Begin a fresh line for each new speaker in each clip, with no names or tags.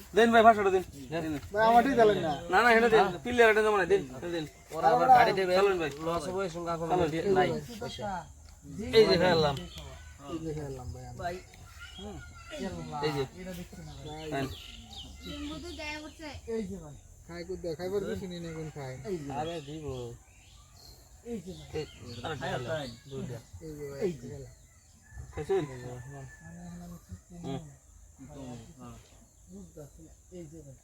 দেন ভাই ভাষাটা দিন
ভাই আমারই দিলেন না
না না হেনে দেন পিলারটা জমা দেন দেন
ওরা আবার গাড়ি দেবে
চলুন ভাই
লস হবে সঙ্গে কোনো নাই পয়সা
এই যে ফেললাম
এই দেখে এলাম ভাই আমি।
ভাই
এই যে
ভাই,
লিম্বুতে দেয়া করছে
এই যে ভাই
খাই কো দেখাইবার কিছু নেই না কোন খাই
এই যে
আরে দিব
এই যে ভাই
দুইটা
এই যে ভাই
এই যে।
গেলাম।
খাইছেন
এই যে ভাই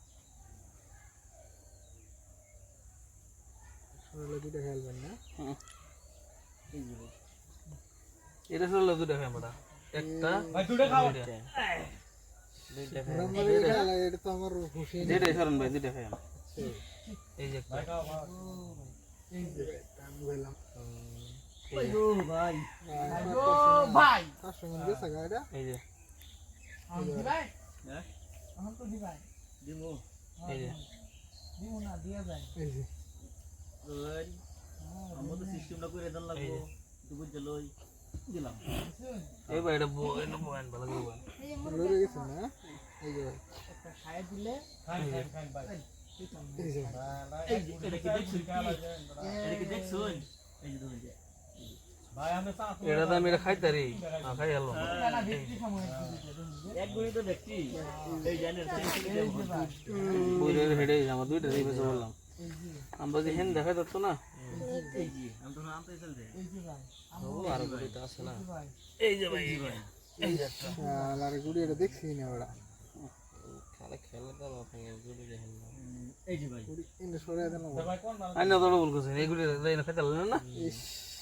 সরলে দুটো খেলবেন না
এই যে ভাই
এটা সরল দুটো খাই আমরা একটা
ভাই দুটো খাও
দুইটা
নম্বর খেলা এটা তো আমার খুশি নেই
যেটাই সরন ভাই দুটো খাই আমরা
এই যে একটা
ভাই খাও
এই যে
আমি গেলাম
ভাই গো ভাই
ভাই,
ও ভাই
তার সঙ্গে গেছে গাড়িটা
এই যে
আমি দি ভাই
হ্যাঁ
আমার তো দি ভাই
দিমু
এই যে
দিমু না দিয়া যায়
এই যে
ওই আমরা তো সিস্টেমটা করে দেন লাগবো তুই বুঝতে লই দিলাম
এই ভাই এটা বয়ান ভালো করে বয়ান
এই যে
লড়ে গেছে না এই যে ভাই
একটা খায় দিলে
খাই খাই ভাই
এই যে
এই এটা কি দেখছুন এটা কি দেখছুন এই যে দুই ভাই আমরা চা
এটা তো আমি এটা খাইতারি খাই হলো
না বিক্রি সময়
এক গুণই তো দেখছি এই জানেন
এই যে ভাই
বইরের হেডে আমার দুইটা দিয়ে বেঁচে বললাম
এই যে
আমরা যে হেন দেখাই তো না
এই যে আমি তো আনতে চলতে
এই যে ভাই
ও আর দুইটা আছে না
ভাই
এই যে ভাই এই যে
আর গুড়ি এটা দেখছি না ওরা
খালে খেলে দাও ওখানে গুলি দেখেন না
এই যে ভাই
গুড়ি ইন্দে সরে দেন না
ভাই কোন না
আইনা তো বল করছেন এইগুলি লাইন খাইতে লাগলেন না
ইস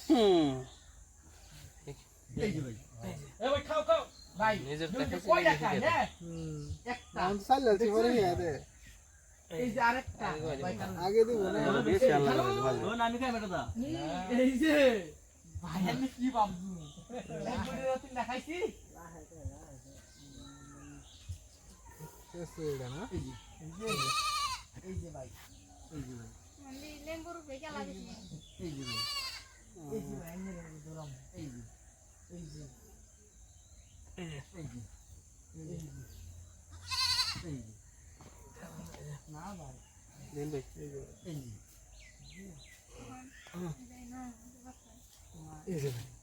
এই যে ভাই এ ভাই খাও খাও
ভাই
নিজের
দুইটা
টাকা
কয়টা খায় রে একটা
আমি তো চাল যাচ্ছি পরে গিয়ে দে
এই যে আরেকটা ভাই কারণ
আগে দিব না
বেশি আল্লাহ ভালো
ও আমি খাই বেটা দা
এই যে ভাই আমি কি ভাবছু একবারে রাতে দেখাইছি
শেষ এটা না
এই যে এই যে ভাই
এই যে ভাই
মানে লেম্বুর বেকে লাগিছে
এই যে ভাই
এই যে ভাই এনে ধরম
এই যে
এই যে
এই যে
এই যে
এই যে
না ভাই
দেন ভাই
এই যে
এই যে ভাই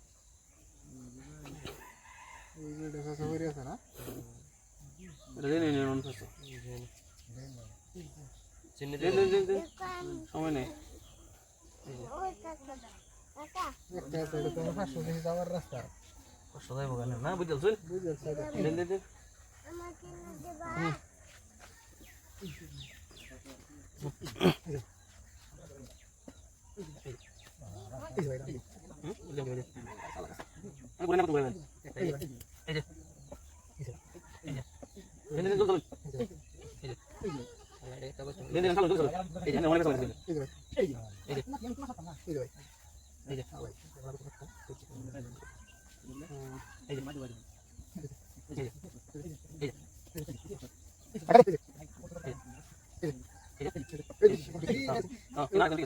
এই যে দেখা সবারই আছে না
এটা দেন এনে নন ফাসো
চিনি
দেন দেন দেন দেন সময় নেই
একটা আছে এটা তো 500 থেকে যাওয়ার রাস্তা
সদাই বগান না বুঝলছেন
বুঝল সাইডে
দেন দেন দেন
এই যে ভাই
আমি বলে না তো বলেন এই যে এই যে দেন দেন চল দেন দেন চল চল এই যে অনেক চল
এই যে ভাই
এই যে
এই যে
এই যে ভাই
এই যে
ভাই
এই যে না না